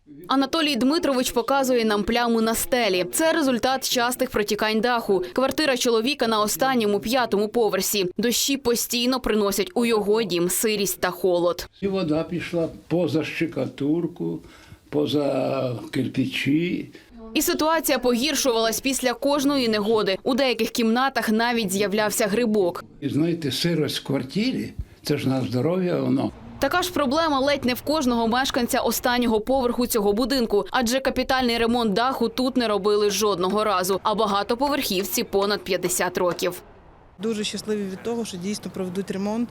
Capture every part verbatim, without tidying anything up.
Анатолій Дмитрович показує нам пляму на стелі. Це результат частих протікань даху. Квартира чоловіка на останньому, п'ятому поверсі. Дощі постійно приносять у його дім сирість та холод. І вода пішла поза штукатурку, поза кирпичі. І ситуація погіршувалась після кожної негоди. У деяких кімнатах навіть з'являвся грибок. І знаєте, сирость в квартирі – це ж на здоров'я воно. Така ж проблема ледь не в кожного мешканця останнього поверху цього будинку, адже капітальний ремонт даху тут не робили жодного разу, а багатоповерхівці понад п'ятдесят років. Дуже щасливі від того, що дійсно проведуть ремонт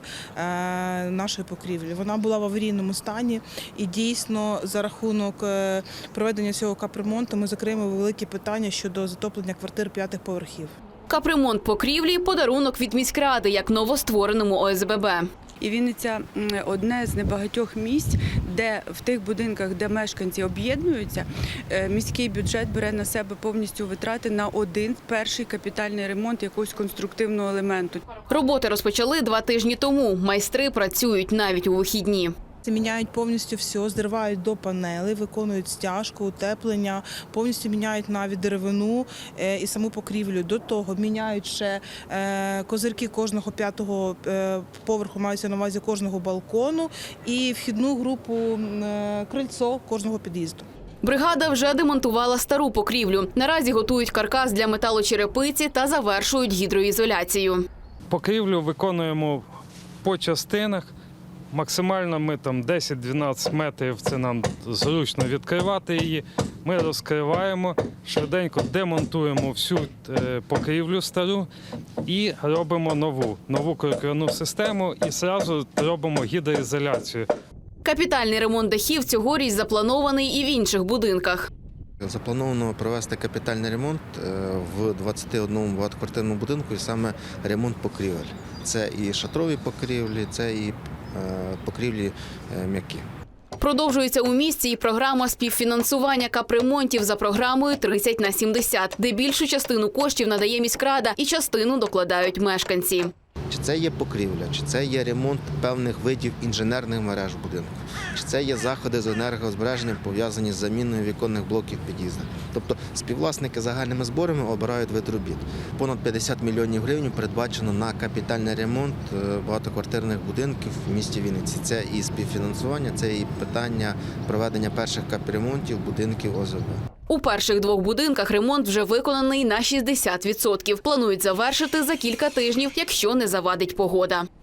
нашої покрівлі. Вона була в аварійному стані і дійсно за рахунок проведення цього капремонту ми закриємо великі питання щодо затоплення квартир п'ятих поверхів. Капремонт покрівлі – подарунок від міськради, як новоствореному О С Б Б. І Вінниця – одне з небагатьох місць, де в тих будинках, де мешканці об'єднуються, міський бюджет бере на себе повністю витрати на один перший капітальний ремонт якогось конструктивного елементу. Роботи розпочали два тижні тому. Майстри працюють навіть у вихідні. Міняють повністю все, зривають до панелей, виконують стяжку, утеплення, повністю міняють навіть деревину і саму покрівлю. До того міняють ще козирки кожного п'ятого поверху, маються на увазі кожного балкону і вхідну групу крильцо кожного під'їзду. Бригада вже демонтувала стару покрівлю. Наразі готують каркас для металочерепиці та завершують гідроізоляцію. Покрівлю виконуємо по частинах. Максимально ми там десять-дванадцять метрів, це нам зручно відкривати її. Ми розкриваємо, швиденько демонтуємо всю покрівлю стару і робимо нову, нову крокерну систему і одразу робимо гідроізоляцію. Капітальний ремонт дахів цьогоріч запланований і в інших будинках. Заплановано провести капітальний ремонт в двадцяти одному багатоквартирному будинку, і саме ремонт покрівель. Це і шатрові покрівлі, це і покрівлі м'які. Продовжується у місті і програма співфінансування капремонтів за програмою тридцять на сімдесят, де більшу частину коштів надає міськрада і частину докладають мешканці. Чи це є покрівля, чи це є ремонт певних видів інженерних мереж будинку, чи це є заходи з енергозбереженням, пов'язані з заміною віконних блоків під'їзду. Тобто співвласники загальними зборами обирають вид робіт. Понад п'ятдесят мільйонів гривень передбачено на капітальний ремонт багатоквартирних будинків в місті Вінниці. Це і співфінансування, це і питання проведення перших капремонтів будинків О С Б Б. У перших двох будинках ремонт вже виконаний на шістдесят відсотків. Планують завершити за кілька тижнів, якщо не завадить погода.